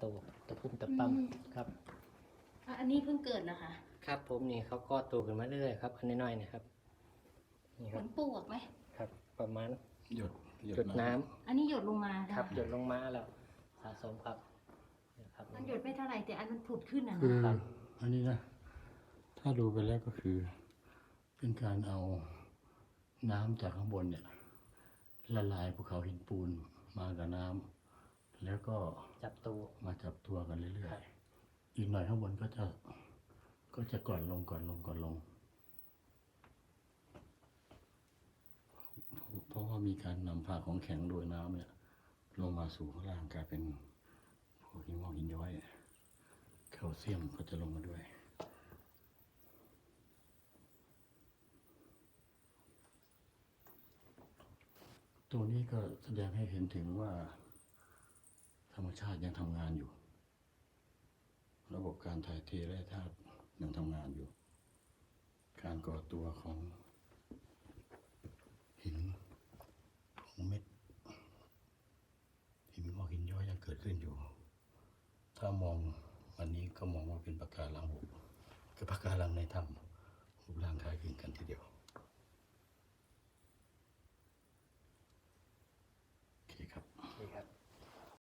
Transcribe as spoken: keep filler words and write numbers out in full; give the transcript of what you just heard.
ตะปุ่มตะปั๊มครับอันนี้เพิ่งเกิดเหรอคะครับผมนี่เขาก็โตขึ้นมาเรื่อยๆครับอันน้อยๆนะครับนี่เหครัมืบอนปวกไหมครับประมาณหยดหยดน้ำอันนี้หยดลงมาครับหยดลงมาแล้วสะสมครับนะครับมันหยดไม่เท่าไหร่แต่อันมันผุดขึ้นอ่ะคือนะอันนี้นะ ถ้าดูไปแล้วก็คือ เป็นการเอาน้ำจากข้างบนเนี่ยละลายภูเขาหินปูนมากับน้ำแล้วก็จับตัวมาจับตัวกันเรื่อยๆอีกหน่อยข้างบนก็จะก็จะก่อนลงก่อนลงก่อนลง เพราะว่ามีการนำพาของแข็งโดยน้ำเนี่ยลงมาสู่ข้างล่างกลายเป็นพวกหินงอกหินย้อยแคลเซียมก็จะลงมาด้วยตัวนี้ก็แสดงให้เห็นถึงว่าธรรมชาติยังทำงานอยู่ระบบการถ่ายเทแร่ธาตุยังทำงานอยู่การก่อตัวของหินของเม็ดหินงอกหินย้อยยังเกิดขึ้นอยู่ถ้ามองวันนี้ก็มองว่าเป็นปะการังคือปะการังในถ้ำรูปร่างคล้าย